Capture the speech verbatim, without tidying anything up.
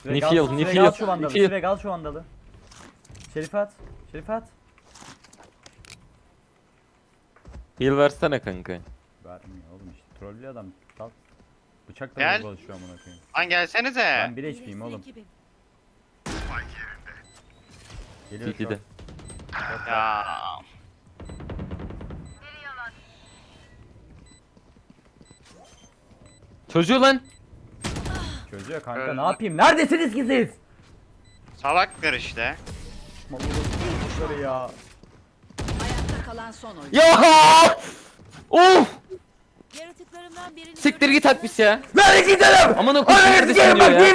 Sürekli Nifil, al- sürekli Nifil, al şu vandalı. Nifil. Sürekli al şu vandalı. Şerif at. Şerif at. Heal versene kanka. Vermiyor oğlum işte. Trollü adam. Sal. Bıçakla Gel. çalışıyor amına koyayım. Lan gelsenize. Ben bir H P'yim oğlum. Geliyor şu City'de. an. Ya. Çocuğu lan. Çözüyor kanka Öldü. ne yapayım? Neredesiniz ki siz? Salaklar işte. Çocukları ya. Ayakta kalan son oyun. Ya! Of! Yaratıklarımdan birini Siktir git Akbis ya. Nereye gidelim? Aman okuyun neredesin diyor ya.